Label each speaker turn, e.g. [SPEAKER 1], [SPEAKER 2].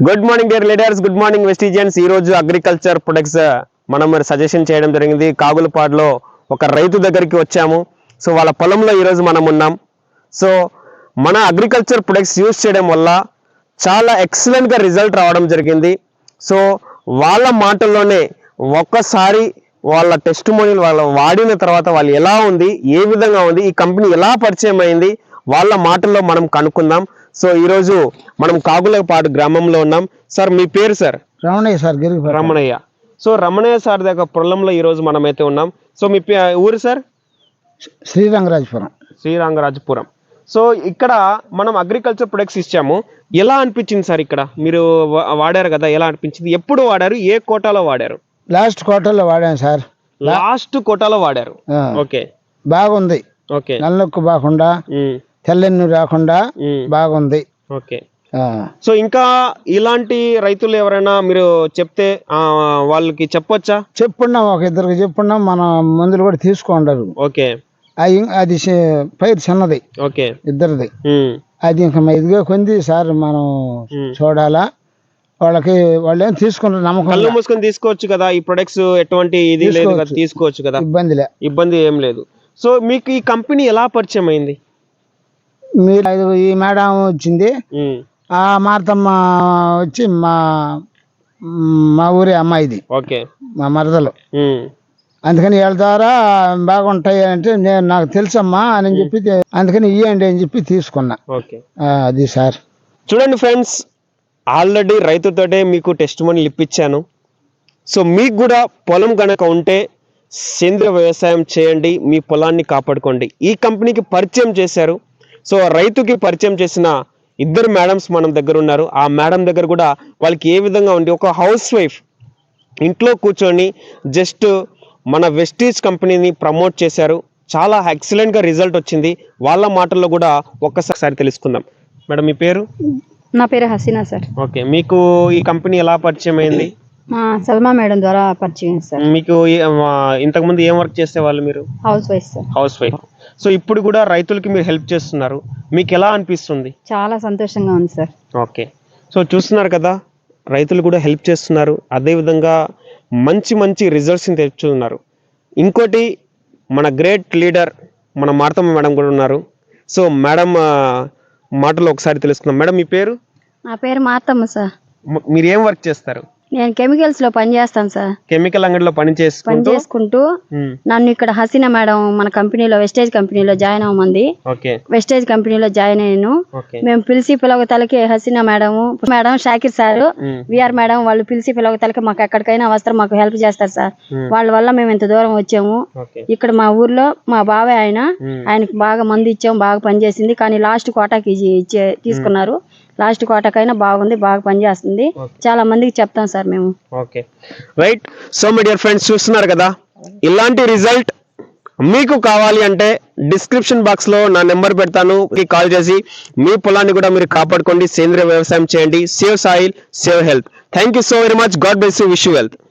[SPEAKER 1] Good morning dear leaders, good morning Vestigians. ఈ రోజు agriculture products మనం మరి సజెషన్ చేయడం జరిగింది. కాగులపాడులో ఒక రైతు దగ్గరికి వచ్చాము. సో వాళ్ళ పొలంలో ఈరోజు మనం ఉన్నాం. సో మన అగ్రికల్చర్ ప్రొడక్ట్స్ యూజ్ చేయడం వల్ల చాలా ఎక్సలెంట్గా రిజల్ట్ రావడం జరిగింది. సో వాళ్ళ మాటల్లోనే ఒక్కసారి వాళ్ళ టెస్టిమోనియల్ వాళ్ళు వాడిన తర్వాత వాళ్ళు ఎలా ఉంది, ఏ విధంగా ఉంది, ఈ కంపెనీ ఎలా పరిచయం అయింది, వాళ్ళ మాటల్లో మనం కనుక్కుందాం. సో ఈరోజు మనం కాగులపాడు గ్రామంలో ఉన్నాం. సార్ మీ పేరు? Sir
[SPEAKER 2] Ramanayya. Sir
[SPEAKER 1] Ramanayya. So Ramanayya sir దగ్గర పొలంలో ఈరోజు మనం అయితే ఉన్నాం. సో మీ ఊరు సార్? శ్రీరంగరాజపురం. సో ఇక్కడ మనం అగ్రికల్చర్ ప్రొడక్ట్స్ ఇచ్చాము. ఎలా అనిపించింది సార్? ఇక్కడ మీరు వాడారు కదా, ఎలా అనిపించింది? ఎప్పుడు వాడారు? ఏ కోటాలో వాడారు?
[SPEAKER 2] లాస్ట్ కోటాలో వాడాను సార్.
[SPEAKER 1] లాస్ట్ కోటాలో వాడారు. ఓకే,
[SPEAKER 2] బాగుంది.
[SPEAKER 1] ఓకే,
[SPEAKER 2] నల్లొక్కు బాగుండా, తెల్లెన్ను రాకుండా బాగుంది.
[SPEAKER 1] ఓకే. సో ఇంకా ఇలాంటి రైతులు ఎవరైనా మీరు చెప్తే వాళ్ళకి చెప్పొచ్చా?
[SPEAKER 2] చెప్పున్నాం, ఒక ఇద్దరికి చెప్పున్నాం. మన మందులు కూడా తీసుకుంటారు.
[SPEAKER 1] ఓకే.
[SPEAKER 2] అది పైరు చిన్నది.
[SPEAKER 1] ఓకే.
[SPEAKER 2] ఇద్దరిది. అది ఇంకా ఇదిగా కొంది సార్, మనం చూడాలా. వాళ్ళకి వాళ్ళు ఏం తీసుకుంటారు, నమ్మకం.
[SPEAKER 1] కళ్ళు మూసుకొని తీసుకోవచ్చు కదా ఈ ప్రొడక్ట్స్, ఎటువంటి ఇది లేదు కదా, తీసుకోవచ్చు కదా, ఇబ్బంది ఏం లేదు. సో మీకు ఈ కంపెనీ ఎలా పరిచయం అయింది?
[SPEAKER 2] మీరు ఈ మేడం వచ్చింది, ఆ మార్తమ్మ వచ్చి మా ఊరి అమ్మాయిది.
[SPEAKER 1] ఓకే.
[SPEAKER 2] మా మరదలు. అందుకని వీళ్ళ ద్వారా బాగుంటాయి అంటే నాకు తెలుసమ్మా అని చెప్పి, అందుకని ఇవ్వండి అని చెప్పి తీసుకున్నా.
[SPEAKER 1] ఓకే.
[SPEAKER 2] అది సార్.
[SPEAKER 1] చూడండి ఫ్రెండ్స్, ఆల్రెడీ రైతుతోటే మీకు టెస్టిమోనియల్ ఇప్పించాను. సో మీకు కూడా పొలం కనుక ఉంటే సేంద్రియ వ్యవసాయం చేయండి, మీ పొలాన్ని కాపాడుకోండి. ఈ కంపెనీకి పరిచయం చేశారు. సో రైతుకి పరిచయం చేసిన ఇద్దరు మేడమ్స్ మన దగ్గర ఉన్నారు. ఆ మేడం దగ్గర కూడా వాళ్ళకి ఏ విధంగా ఉంది, ఒక హౌస్ వైఫ్ ఇంట్లో కూర్చొని జస్ట్ మన వెస్టీజ్ కంపెనీని ప్రమోట్ చేశారు. చాలా ఎక్సలెంట్గా రిజల్ట్ వచ్చింది. వాళ్ళ మాటల్లో కూడా ఒక్కసారి తెలుసుకుందాం. మేడం మీ పేరు?
[SPEAKER 3] నా పేరు హసీనా సార్.
[SPEAKER 1] ఓకే. మీకు ఈ కంపెనీ ఎలా పరిచయం అయింది?
[SPEAKER 3] మా సల్మా మేడం ద్వారా పరిచయం సార్.
[SPEAKER 1] మీకు ఇంతకుముందు ఏం వర్క్ చేసేవాళ్ళు మీరు?
[SPEAKER 3] House wife sir.
[SPEAKER 1] House wife. So ఇప్పుడు కూడా రైతులకి మీరు హెల్ప్ చేస్తున్నారు. మీకు ఎలా అనిపిస్తుంది?
[SPEAKER 3] చాలా సంతోషంగా ఉంది సార్.
[SPEAKER 1] ఓకే. సో చూస్తున్నారు కదా, రైతులు కూడా హెల్ప్ చేస్తున్నారు. అదేవిధంగా మంచి మంచి రిజల్ట్స్ని తెచ్చుతున్నారు. ఇంకోటి మన గ్రేట్ లీడర్ మన మార్తమ్మ మేడం కూడా ఉన్నారు. సో మేడం మాటలు ఒకసారి తెలుసుకుందాం. మేడం మీ పేరు?
[SPEAKER 3] నా పేరు మార్తమ్మ సార్.
[SPEAKER 1] మీరు ఏం వర్క్ చేస్తారు?
[SPEAKER 3] నేను కెమికల్స్ లో పని చేస్తాను సార్.
[SPEAKER 1] కెమికల్ అంగడిలో పని చేసుకుంటూ
[SPEAKER 3] నన్ను ఇక్కడ హసీనా మేడం మన కంపెనీలో వెస్టేజ్ కంపెనీలో జాయిన్ అవ్వమంది. వెస్టేజ్ కంపెనీలో జాయిన్ అయ్యాను. మేము పిలిచి పిలవతలకి Haseena madam Shakir sir, V R madam వాళ్ళు పిలిచి పిలవతలకి మాకు ఎక్కడికైనా అవసరం మాకు హెల్ప్ చేస్తారు సార్. వాళ్ళ వల్ల మేము ఇంత దూరం వచ్చాము. ఇక్కడ మా ఊర్లో మా బాబాయ్ ఆయనకి బాగా మంది ఇచ్చాము, బాగా పనిచేసింది. కానీ లాస్ట్ కోటాకి తీసుకున్నారు. లాస్ట్ కోటాకైనా బాగుంది, బాగా పనిచేస్తుంది. చాలా మందికి చెప్తాం సార్ మేము.
[SPEAKER 1] Okay, right. So my dear friends, చూస్తున్నారు కదా, ఇలాంటి రిజల్ట్ మీకు కావాలి అంటే డిస్క్రిప్షన్ బాక్స్ లో నా నెంబర్ పెడతాను, కాల్ చేసి మీ పొలాన్ని కూడా మీరు కాపాడుకోండి, సేంద్రియ వ్యవసాయం చేయండి. Save soil, save health. Thank you so very much. God bless you. Wish you wealth.